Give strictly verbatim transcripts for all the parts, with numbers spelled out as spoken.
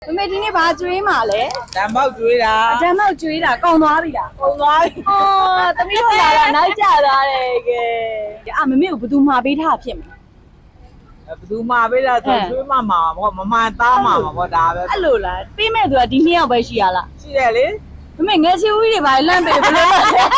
မမေဒီနေ့ဘာကျွေးမှာလဲတံပေါက်ကျွေးတာတံပေါက်ကျွေးတာကုန်သွားပြီလားကုန်သွားပြီဟောသမီးတို့လာတာနောက်ကျသွားတယ်ကဲအာမမေကိုဘယ်သူမှာပေးထားဖြစ်မလဲဘယ်သူမှာပေးတာဆိုကျွေးမှမှာပေါ့မမှန်သားမှာပေါ့ဒါပဲအဲ့လိုလားပေးမဲ့သူကဒီနှစ်ယောက်ပဲရှိရလားရှိတယ်လေမမေငယ်ချီဦးကြီးတွေပါလန့်ပေးဘယ်လို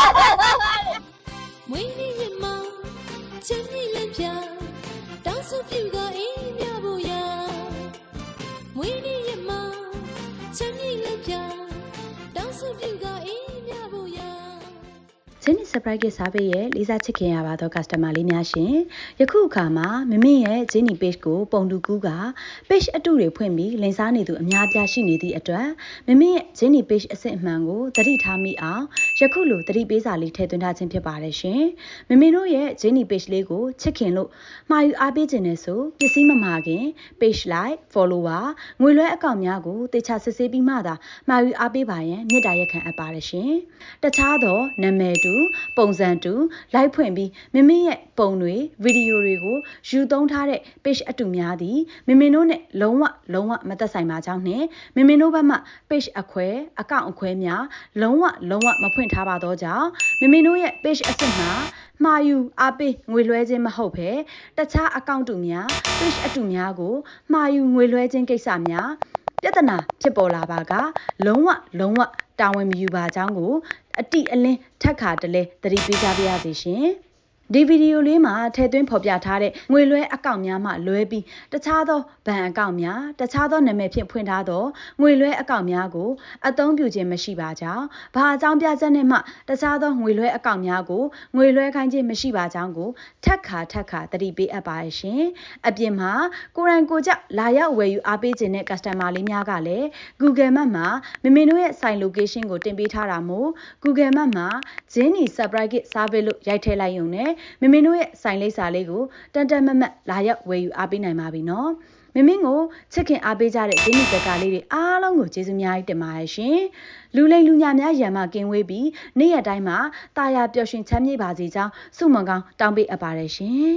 မွေးနေ့ရမချမ်းမြေလက်ပြတောင်းစုပြူကအေးမြဖို့ရမွေးနေ့ရမချမ်းမြေလက်ပြတောင်းစုပြူကအေးမြဖို့ရဂျင်းနီ surprise ကစားပေးရဲ့လေးစားချစ်ခင်ရပါသော customer လေးများရှင်ယခုအခါမှာမမင်းရဲ့ဂျင်းနီ page ကိုပုံတူကူးက page အတုတွေဖွင့်ပြီးလင်စားနေသူအများပြားရှိနေသည့်အတွက်မမင်းရဲ့ဂျင်းနီ page အစစ်အမှန်ကိုသတိထားမိအောင်ယခုလိုသတိပေးစာလေးထည့်သွင်းထားခြင်းဖြစ်ပါတယ်ရှင်မမင်းတို့ရဲ့ဂျင်းနီ page လေးကိုချစ်ခင်လို့မှာယူအားပေးခြင်းနဲ့ဆိုပစ္စည်းမမှာခင် page like follower ငွေလွှဲအကောင့်များကိုတေချာစစ်ဆေးပြီးမှသာမှာယူအားပေးပါရန်မြစ်တာရက်ခံအပ်ပါတယ်ရှင်တခြားသောနာမည်တူပုံစံတူလိုက်ဖွင့်ပြီးမမင်းရဲ့ပုံတွေဗီဒီယိုတွေကိုယူသုံးထားတဲ့ page အတူများသည်မမင်းတို့နဲ့လုံးဝလုံးဝမသက်ဆိုင်ပါကြောင်းနဲ့မမင်းတို့ဘက်မှ page အခွဲအကောင့်အခွဲများလုံးဝလုံးဝမဖွင့်ထားပါတော့ကြောင်းမမင်းတို့ရဲ့ page အစစ်မှာမှာယူအားပေးငွေလွှဲခြင်းမဟုတ်ဘဲတခြားအကောင့်တူများ page အတူများကိုမှာယူငွေလွှဲခြင်းကိစ္စများပြဿနာဖြစ်ပေါ်လာပါကလုံးဝလုံးဝတာဝန်မယူပါကြောင်းကိုအတိအလင်းထက်ခါတလဲသတိပေးကြပါရစေရှင်ဒီဗီဒီယိုလေးမှာထည့်သွင်းဖော်ပြထားတဲ့ငွေလွှဲအကောင့်များမှလွဲပြီးတခြားသောဘဏ်အကောင့်များတခြားသောနာမည်ဖြင့်ဖွင့်ထားသောငွေလွှဲအကောင့်များကိုအသုံးပြုခြင်းမရှိပါကြောင်းဘာအကြောင်းပြချက်နဲ့မှတခြားသောငွေလွှဲအကောင့်များကိုငွေလွှဲခိုင်းခြင်းမရှိပါကြောင်းကိုထက်ခါထက်ခါသတိပေးအပ်ပါရှင်အပြင်မှာကိုရိုင်းကိုကြလာရောက်ဝယ်ယူအားပေးခြင်းတဲ့ customer လေးများကလည်း Google Map မှာမမင်းတို့ရဲ့ဆိုင် location ကိုတင်ပေးထားတာမို့ Google Map မှာဂျင်းနီ surprise kit service လို့ရိုက်ထည့်လိုက်ရုံနဲ့မမင်းတို့ရဲ့ဆိုင်လိပ်စာလေးကိုတန်တန်မတ်မတ်လာရောက်ဝယ်ယူအားပေးနိုင်ပါပြီနော်မမင်းကိုချစ်ခင်အားပေးကြတဲ့ဂျင်းနီဘက်ကလေးတွေအားလုံးကိုကျေးဇူးများကြီးတင်ပါတယ်ရှင်လူလိမ်လူညာများရံမကင်းဝေးပြီးနေ့ရက်တိုင်းမှာတာယာပျော်ရွှင်ချမ်းမြေ့ပါစေကြောင်းဆုမွန်ကောင်းတောင်းပေးအပ်ပါတယ်ရှင်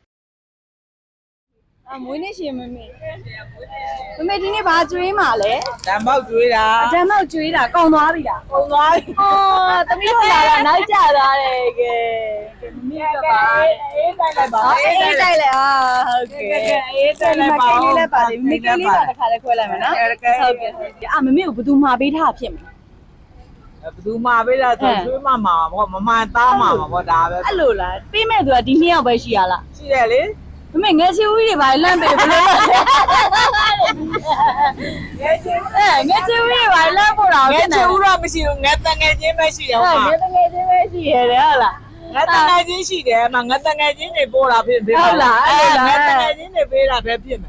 အမွေးနေ့ရှင်မမေမမေဒီနေ့ဘာကျွေးမှာလဲတံပေါက်ကျွေးတာတံပေါက်ကျွေးတာကုန်သွားပြီလားကုန်သွားပြီဟောသမီးတို့လာတာနောက်ကျသွားတယ်ကဲမမေကပါအေးတိုက်လိုက်ပါအေးတိုက်လိုက်အာဟုတ်ကဲ့အေးတိုက်လိုက်ပါမလေးလေးပါလေမိကလေးပါတစ်ခါလေးခွဲလိုက်မယ်နော်ဟုတ်ကဲ့အာမမေကိုဘယ်သူမှာပေးထားဖြစ်မလဲဘယ်သူမှာပေးတာဆိုကျွေးမှမှာပေါ့မမှန်သားမှာပေါ့ဒါပဲအဲ့လိုလားပေးမဲ့သူကဒီနှစ်ယောက်ပဲရှိရလားရှိတယ်လေမမေငယ်ချီဦးကြီးတွေပါလန့်ပေးဘယ်လိုလဲငယ်ချီအဲငယ်ချီဦးကြီးတွေပါလန့်ဖို့တော့ငယ်ချီဦးတော့မရှိဘူးငယ်တငယ်ချင်းပဲရှိတယ်ဟုတ်ပါငယ်တငယ်ချင်းပဲရှိရတယ်ဟုတ်လားငါတငယ်ချင်းရှိတယ်မငါတငယ်ချင်းတွေပို့တာဖြစ်ဖြစ်ဟုတ်လားအဲ့ဒါငါတငယ်ချင်းတွေပေးတာပဲဖြစ်မယ်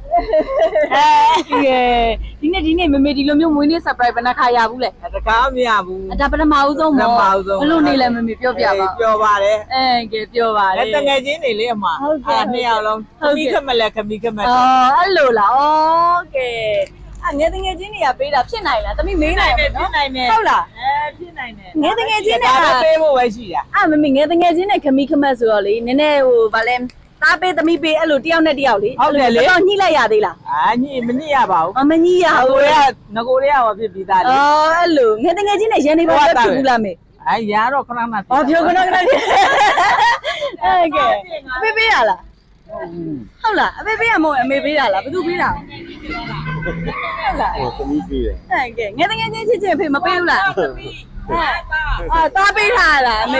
အဲဒီနေ့ဒီနေ့မမေဒီလိုမျိုးမွေးနေ့ surprise ဘယ်နှခါရဘူးလဲတကားမရဘူးဒါပထမဦးဆုံးပေါ့ဘယ်လိုနေလဲမမေပြောပြပါပြောပါတယ်အဲကဲပြောပါလေတငယ်ချင်းတွေလေအမအဲနှစ်ယောက်လုံးခမီးခမလက်ခမီးခမက်အော်အဲ့လိုလားဩကဲအငယ်တငယ်ချင်းတွေကပေးတာဖြစ်နိုင်လားတမိမေးနိုင်တယ်ဖြစ်နိုင်တယ်ဟုတ်လားအဲဖြစ်နိုင်တယ်ငယ်တငယ်ချင်းတွေကပေးဖို့ပဲရှိတာအမမေငယ်တငယ်ချင်းနဲ့ခမီးခမက်ဆိုတော့လေနည်းနည်းဟိုဗာလဲသားပေးသမီးပေးအဲ့လိုတယောက်နဲ့တယောက်လေဟုတ်တယ်လေတော့ညှိလိုက်ရသေးလားအာညှိမညှိရပါဘူးမညှိရဘူးငကိုတွေကငကိုတွေကဟောဖြစ်ပြီးသားလေအော်အဲ့လိုငယ်တငယ်ချင်းနဲ့ရန်နေပါဖြစ်ဘူးလားမေအဲရတော့ခဏမှအော်ပြောခဏခဏဖြစ်အဲ့ကဲအဖေပေးရလားဟုတ်လားအဖေပေးရမဟုတ်အမေပေးတာလားဘယ်သူပေးတာဟုတ်လားဟိုသမီးပေးတယ်အဲ့ကဲငယ်တငယ်ချင်းချစ်ချစ်အဖေမပေးဘူးလားအာတာပေးထားလားအမေ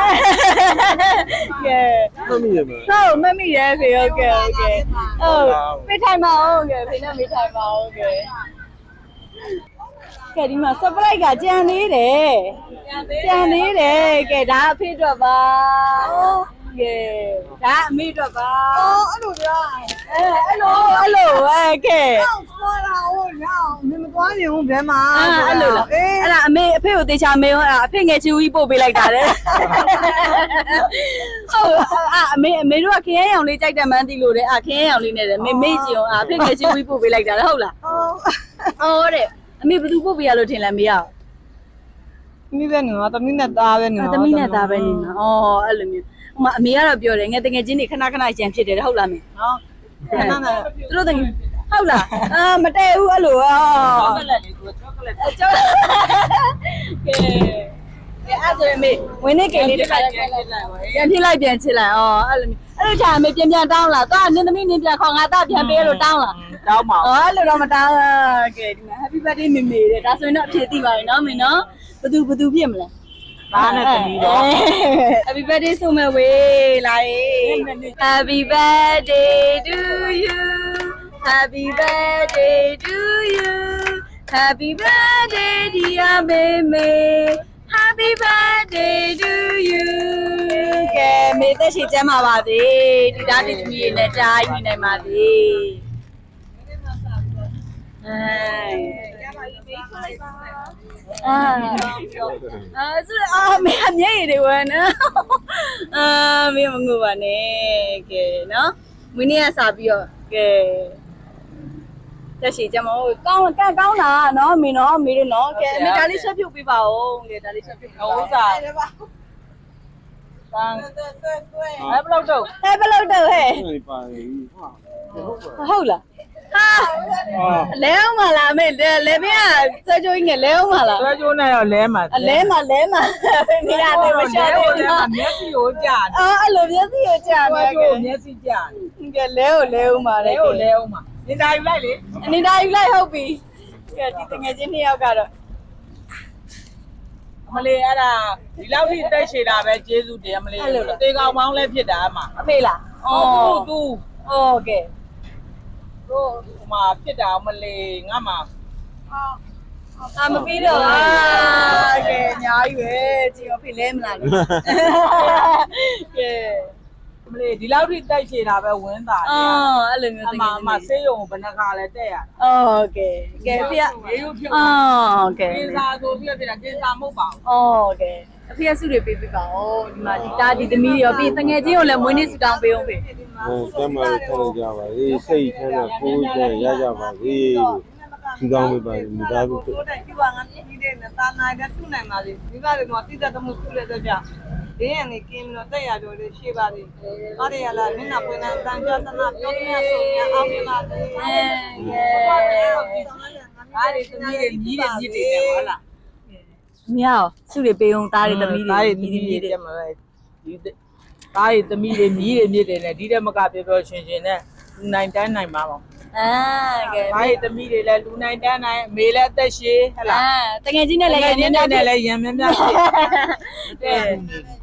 ကဲမမီးရမဟုတ်မမီးရဲဖေဟုတ်ကဲဟုတ်ကဲဟုတ်ပေးထိုင်ပါဦးကဲဖေနဲ့မေးထိုင်ပါဦးကဲကဲဒီမှာ surprise ကကြံနေတယ်ကြံနေတယ်ကဲဒါအဖေအတွက်ပါကဲဒါအမေအတွက်ပါအော်အဲ့လိုကြာအဲအဲ့လိုအဲ့လိုအဲကဲသွားတာဟိုညောင်းမမသွားရင်ဘယ်မှာအဲ့လိုလားအဲ့ဒါအမေအဖေကိုတေချာမေးဟောအဖေငယ်ချီဦးကြီးပို့ပေးလိုက်တာလေဟုတ်အာအမေအမေတို့ကခရမ်းရောင်လေးကြိုက်တယ်မှန်းသိလို့တဲ့အာခရမ်းရောင်လေးနဲ့တယ်မေမေ့ကြည့်အောင်အာအဖေငယ်ချီဦးကြီးပို့ပေးလိုက်တာလေဟုတ်လားဟုတ်ဟုတ်တဲ့အမေဘယ်သူပို့ပေးရလို့ထင်လဲမေရအောင်သမီးပဲနော်သမီးနဲ့သားပဲနော်သမီးနဲ့သားပဲနေနော်အော်အဲ့လိုမျိုးဟိုမှာအမေကတော့ပြောတယ်ငယ်တငယ်ချင်းတွေခဏခဏကြံဖြစ်တယ်ဟုတ်လားမေဟုတ်ခဏနဲ့သူတို့တငယ်ဟုတ်လားအာမတည့်ဘူးအဲ့လိုအော်ချောကလက်လေးကိုချောကလက်အကျော်ကဲကဲအဲ့ဆိုရင်မေဝင်းနေကိလေးတစ်ခါပြန်လိုက်ပါပြန်ဖြစ်လိုက်ပြန်ချစ်လိုက်အော်အဲ့လိုအဲ့လိုချာမေပြန်ပြန်တောင်းလာသွားနင်းသမီးနင်းပြန်ခေါ်ငါသားပြန်ပေးလို့တောင်းလာတောင်းပါအော်အဲ့လိုတော့မတောင်းကဲဒီမှာ Happy birthday မေမေတဲ့ဒါဆိုရင်တော့အဖြစ်သိပါပြီနော်မင်းနော်ဘသူဘသူဖြစ်မလဲသားနဲ့သမီးတော့ Happy birthday ဆိုမဲ့ဝေးလာရေး Happy birthday to you Happy birthday to you Happy birthday dear Meme Happy birthday to you ကဲမေသက်ရှိကျမ်းပါပါစေဒီသားတိသမီးတွေနဲ့ကြားနေနိုင်ပါစေအဲအာအာဆိုအာမေအမြဲရည်ဝမ်းနော်အာမေမငိုပါနဲ့ကဲနော်မင်းနေ့ကစားပြီးတော့ကဲတက်ရှိကြမဟုတ်ကောင်းကဲကောင်းတာနော်မင်းနော်မေတို့နော်ကဲမေဒါလေးဆွဲပြုတ်ပေးပါဦးကဲဒါလေးဆွဲပြုတ်ပေးပါဥဦးစားတန်းအဲ့ဘလောက်တော့ဟဲ့ဘယ်လောက်တော့ဟဲ့ပါလေဟာဟုတ်လားဟာလဲအောင်မလားမေလဲမင်းကစကြိုးကြီးနဲ့လဲအောင်မလားဆွဲကြိုးနဲ့တော့လဲမှာအလဲမှာလဲမှာနေရတယ်မရှာသေးဘူးနော်မျက်စိကိုကြာတယ်အော်အဲ့လိုမျက်စိကိုကြာဆွဲမယ်ကြိုးမျက်စိကြာတယ်ကဲလဲကိုလဲအောင်ပါလေလဲကိုလဲအောင်မှာနေသားယူလိုက်လေနေတာယူလိုက်ဟုတ်ပြီကဲဒီတငယ်ချင်းနှစ်ယောက်ကတော့မလေးအဲ့ဒါဒီလောက်ထိတက်ရှည်တာပဲကျေးဇူးတင်မလေးတေကောင်ပေါင်းလည်းဖြစ်တာအမှအဖေလားအော်သူโอเคတို့ဟိုမှာဖြစ်တာမလေးငါမှာအာမပြီးတော့အာကဲအများကြီးပဲကြည့်အဖေလဲမလားကဲမလေးဒီလောက်ထိတက်ရှည်တာပဲဝင်းတာအော်အဲ့လိုမျိုးအတမကယ်အမဆေးရုံဘယ်နှခါလဲတက်ရတာโอเคကဲဖေရေရုပ်ဖြစ်အော်ကဲကင်းစားဆိုပြီးဖြစ်တာကင်းစားမဟုတ်ပါဘူးโอเคအဖေစုတွေပေးပေးပါဦးဒီမှာဒီတာဒီသမီးတွေရောပြီးတငယ်ချင်းကိုလည်းမွေးနေ့စတောင်းပေးအောင်ဖေအဲကျမ်းမာခံကြပါစေစိတ်ချမ်းသာကိုယ်ကျရကြပါစေဒီကောင်းမပါဘူးမိသားစုတို့တိုင်ပြပါငါပြည်တဲ့နဲ့တာနာကထုနိုင်ပါလေဒီကလည်းတော့တိတတ်မှုစုလဲတဲ့ကြဒင်းရနေကင်းတော့တက်ရတော့လေရှိပါလေအားရရလားမင်းနာပွင့်တန်ပြသနာပြောသမျှဆိုရင်အောင်ပြပါလေအဲကဲဒါတွေသမီးတွေမြည်တယ်မြည်တယ်ဟုတ်လားမြောက်စုတွေပေးအောင်တားတွေသမီးတွေဒါတွေသမီးတွေတက်မှာပဲဒီဒါတွေသမီးတွေမြည်တယ်မြည်တယ်နဲ့ဒီတက်မကပြောပြောရှင်ရှင်နဲ့လူနိုင်တန်းနိုင်ပါပါအာကဲဒါတွေသမီးတွေလည်းလူနိုင်တန်းနိုင်အမေလည်းအသက်ရှည်ဟဲ့လားအာတငယ်ချင်းနဲ့လည်းရင်းနေနဲ့တယ်လည်းရံမြမြဖြစ်ကဲဟုတ်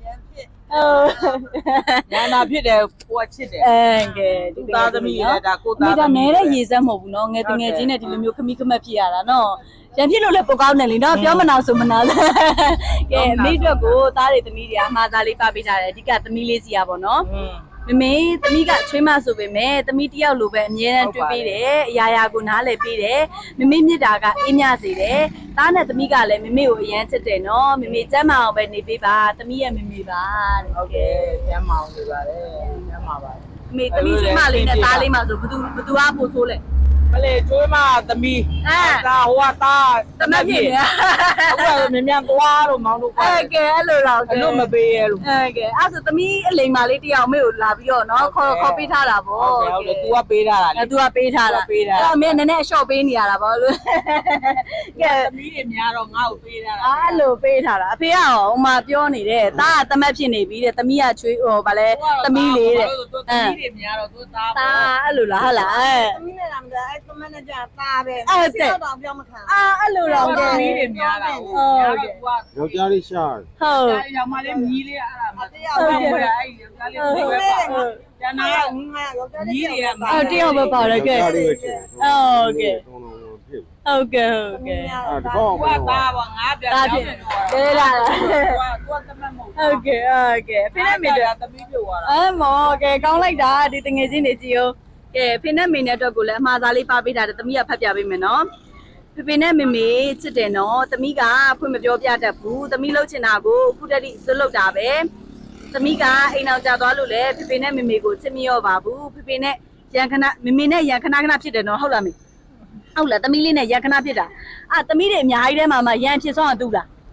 ညာနာဖြစ်တယ်ကိုကချစ်တယ်အဲကဲသူသားသမီးတွေဒါကိုမိသားတာသမီးနဲတဲ့ရေစက်မဟုတ်ဘူးเนาะငယ်တငယ်ချင်းနဲ့ဒီလိုမျိုးခမိခမက်ဖြစ်ရတာเนาะရန်ဖြစ်လို့လည်းပိုကောင်းတယ်လीเนาะပြောမနာဆိုမနာလဲကဲမိအတွက်ကိုသားတွေသမီးတွေအမှားသားလေးပပေးကြတယ်အဓိကသမီးလေးစီရပါเนาะမမေသမီးကချွေးမဆိုပေမဲ့သမီးတယောက်လိုပဲအမြဲတမ်းတွေ့ပေးတယ်အရာရာကိုနားလည်ပေးတယ်မမေမြစ်တာကအေးမြစေတယ်သားနဲ့သမီးကလည်းမမေကိုအရန်ချစ်တယ်เนาะမမေကျမ်းမအောင်ပဲနေပေးပါသမီးရဲ့မမေပါတဲ့ဟုတ်ကဲ့ကျမ်းမအောင်နေပါတယ်ကျမ်းပါပါအမေသမီးချွေးမလေးနဲ့သားလေးမှဆိုဘသူဘသူကပို့ဆိုးလဲမလေးကျွေးမသမီးအဲဒါဟိုကသားတမက်ဖြစ်နေအခုကမြ мян သွားလို့မောင်းလို့အဲကဲအဲ့လိုတော့အဲ့လိုမပေးရလို့အဲကဲအဲ့ဆိုသမီးအလိမ်မာလေးတယောက်မေကိုလာပြီးတော့နော်ခေါ်ခေါ်ပေးထားတာဗောဟုတ်ကဲ့ဟုတ်ကဲ့ तू ကပေးထားတာလေအဲ तू ကပေးထားတာအဲ့တော့မင်းနည်းနည်းအလျှော့ပေးနေရတာဗောလို့ကဲသမီးတွေများတော့ငါ့ကိုပေးထားတာအဲ့လိုပေးထားတာအဖေကရောဟိုမှာပြောနေတယ်တားကတမက်ဖြစ်နေပြီတဲ့သမီးကချွေးဟိုဗာလဲသမီးလေးတဲ့သူသမီးတွေများတော့သူသားတားအဲ့လိုလားဟုတ်လားအဲသမီးနဲ့လာမလားအဲ့သမနဲ့ကြာသားပဲတော့ပြောမခံအာအဲ့လိုတော့ကဲသမီးတွေများတာဟုတ်ကဲ့ယောက်ျားလေးရှာဟုတ်ရောင်မလေးမြည်လေးအဲ့ဒါမှတရားဟုတ်ကဲ့အဲ့ဒီယောက်ျားလေးကိုပဲပါကျန်တာကငါရောကြမြည်တွေကအော်တယောက်ပဲပါတယ်ကဲယောက်ျားလေးပဲချင်ဟုတ်ကဲ့တုံးလုံးလုံးဖြစ်ဟုတ်ကဲ့ဟုတ်ကဲ့အဲတကောင်းကွာသားပါငါပြန်တားပြောဖြင်းစ်တယ်သေးလားကွာကွာတမတ်မဟုတ်ဟုတ်ကဲ့ဟုတ်ကဲ့ဖိနဲ့မေတော့သမီးပြသွားတာအဲမောကဲကောင်းလိုက်တာဒီတငယ်ချင်းတွေကြည့်ဦးကဲဖိနဲ့မေနဲ့အတွက်ကိုလည်းအမှားစားလေးပါပေးတာတသမီးကဖတ်ပြပေးမယ်နော်ဖေဖေနဲ့မေမေချစ်တယ်နော်သမီးကဖွင့်မပြောပြတတ်ဘူးသမီးလှုပ်ချင်တာကိုအခုတည်းကစွတ်လုပ်တာပဲသမီးကအိမ်အောင်ကြသွားလို့လေဖေဖေနဲ့မေမေကိုချစ်မရောပါဘူးဖေဖေနဲ့ရန်ခဏမေမေနဲ့ရန်ခဏခဏဖြစ်တယ်နော်ဟုတ်လားမေဟုတ်လားသမီးလေးနဲ့ရန်ခဏဖြစ်တာအာသမီးတွေအများကြီးထဲမှာမှရန်ဖြစ်ဆုံးအောင်တူလား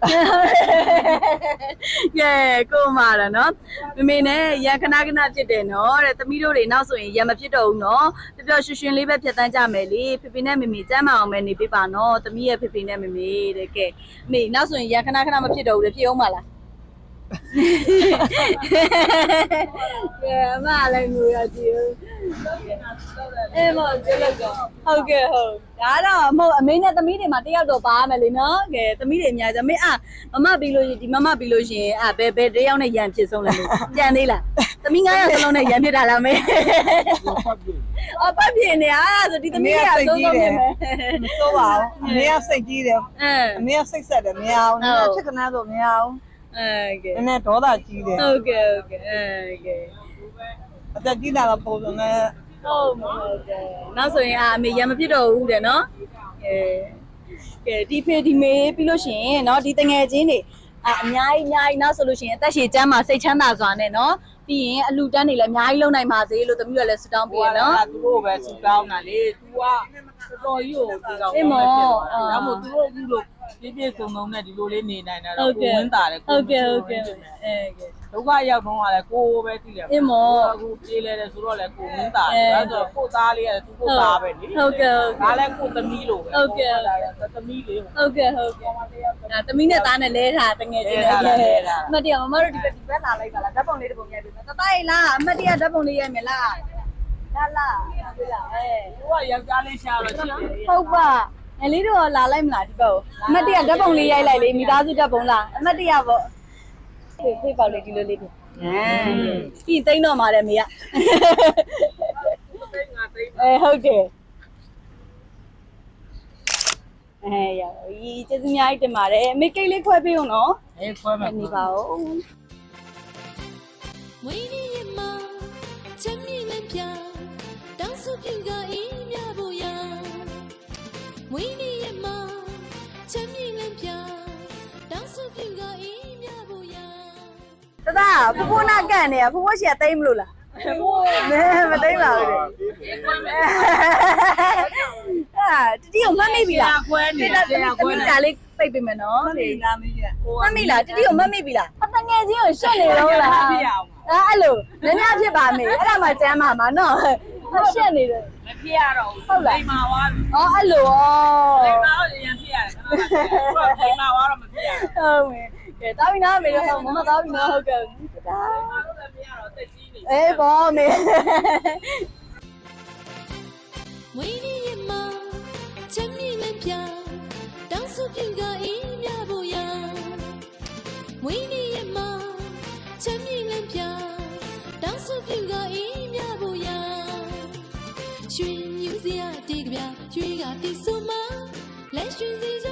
ကဲကိုမာရနော်မမေနဲ့ရန်ခဏခဏဖြစ်တယ်နော်တဲ့သမီးတို့တွေနောက်ဆိုရင်ရန်မဖြစ်တော့ဘူးနော်ပျော်ပျော်ရွှင်ရွှင်လေးပဲဖြတ်တန်းကြမယ်လေဖေဖေနဲ့မမေကျမ်းမအောင်ပဲနေပေးပါနော်သမီးရဲ့ဖေဖေနဲ့မမေတဲ့ကဲမေနောက်ဆိုရင်ရန်ခဏခဏမဖြစ်တော့ဘူးလေဖြစ်အောင်ပါလားကဲအမလည်းငိုရကြည့်အေးမော်ကျေလို့ကောဟုတ်ကဲ့ဟုတ်ဒါတော့မဟုတ်အမေနဲ့သမီးတွေမှာတယောက်တော့ပါမယ်လေနော်ကဲသမီးတွေအများကြီးအမေအာမမပြီးလို့ဒီမမပြီးလို့ရှင်အာဘယ်ဘယ်တယောက်နဲ့ရန်ဖြစ်ဆုံးလဲကြံသေးလားသမီးငါးယောက်စလုံးနဲ့ရန်ဖြစ်တာလားမေအော်ပတ်ပြင်းနေအားဆိုဒီသမီးတွေကသုံးသုံးနေမယ်မစိုးပါဘူးအမေကစိတ်ကြီးတယ်အင်းအမေကစိတ်ဆက်တယ်မရအောင်နည်းနည်းဖြစ်ကနန်းဆိုမရအောင်အဲကဲနည်းနည်းဒေါသကြီးတယ်ဟုတ်ကဲ့ဟုတ်ကဲ့အဲကဲအသက်ကြီးလာတော့ပုံစံနဲ့ဟုတ်မဟုတ်တယ်နောက်ဆိုရင်အာအမေရံမဖြစ်တော့ဘူးတဲ့နော်ကဲကဲဒီဖေဒီမေပြီးလို့ရှိရင်နော်ဒီတငယ်ချင်းတွေအာအများကြီးအများကြီးနောက်ဆိုလို့ရှိရင်အသက်ရှည်ကျမ်းမှာစိတ်ချမ်းသာစွာနဲ့နော်ပြီးရင်အလူတန်းတွေလည်းအများကြီးလုံနိုင်ပါစေလို့တမီးတို့လည်းဆုတောင်းပေးရနော်သူတို့ပဲစူတောင်းတာလေ तू ကတော်တော်ကြီးကိုဒီကောင်ဒါမှမဟုတ်သူတို့အခုလိုပြည့်ပြည့်စုံစုံနဲ့ဒီလိုလေးနေနိုင်တာတော့ကိုဝင်းတာတယ်ဟုတ်ကဲ့ဟုတ်ကဲ့အဲကဲဒုက္ခရောက်တော့ကလည်းကိုပဲသိတယ်အခုပြေးလဲတယ်ဆိုတော့လည်းကိုဝင်းတာတယ်ဒါဆိုကိုသားလေးကသူကိုသားပဲလေဟုတ်ကဲ့ဟုတ်ဒါလည်းကိုသမီးလိုပဲသမီးလေးဟုတ်ကဲ့ဟုတ်ကဲ့ဒါသမီးနဲ့သားနဲ့လဲထားတငယ်ချင်းလဲအမတ်တရားမမတို့ဒီဘက်ဒီဘက်လာလိုက်ပါလားဓာတ်ပုံလေးတစ်ပုံရိုက်ပေးမယ်တသားလားအမတ်တရားဓာတ်ပုံလေးရိုက်မယ်လားလာလာဟုတ်လားအဲသူကယောက်ျားလေးရှာတော့ရှိတယ်ဟုတ်ပါငယ်လေးတို့လာလိုက်မလားဒီဘက်ကိုအမတ်တရားဓာတ်ပုံလေးရိုက်လိုက်လေမိသားစုဓာတ်ပုံလားအမတ်တရားပေါ့ဖေးဖေးပေါက်လေးဒီလိုလေးပြင်ပြီးသိန်းတော့มาတယ်မေကအဲဟုတ်တယ်အဲရပြီကျေးဇူးအများကြီးတင်ပါတယ်အမေကိတ်လေးခွဲပေးအောင်နော်အေးခွဲမယ်နေပါဦးမွေးနေ့ရမချမ်းမြေလမ်းပြတောင်းစုပြုကအေးမြဖို့ရမွေးနေ့ရမချမ်းမြေလမ်းပြတောင်းစုပြုကအေးမြဖို့ရတဒါဖဖိုးနာကန့်နေရဖဖိုးရှီကသိမ့်မလို့လားမဲမသိမ့်ပါဘူးအာတတိကိုမှတ်မိပြီလားခွဲနေတယ်ဆရာခွဲနေဒါလေးပိတ်ပေးမယ်နော်မလေးလာမင်းကြီးမှတ်မိလားတတိကိုမှတ်မိပြီလားအတငယ်ချင်းကိုရှက်နေတော့လားဖြစ်အောင်အဲ့အဲ့လိုနည်းနည်းဖြစ်ပါမေအဲ့ဒါမှကျမ်းပါမှာနော်ရှက်နေတယ်မဖြစ်ရတော့ဘူးလိမ္မာသွားပြီอ๋อအဲ့လိုဩလိမ္မာတော့ရင်ဖြစ်ရတယ်ခဏခဏလိမ္မာသွားတော့မဖြစ်ရဘူးဟုတ်မယ်ကဲတားပြီနော်မေတော့မမသားပြီနော်ဟုတ်ကဲ့တာငါတို့လည်းမရတော့တက်ကြီးနေအေးဘောမေမွေးနေ့ရမချမ်းမြေလမ်းပြတောင်းစုပြုကအေးမြဖို့ရမွေးနေ့ရမချမ်းမြေလမ်းပြတောင်းစုပြုကအေးမြဖို့ရရွှေမြူစရာတေးကပြရွှေကတီဆိုမလက်ရွှေစီ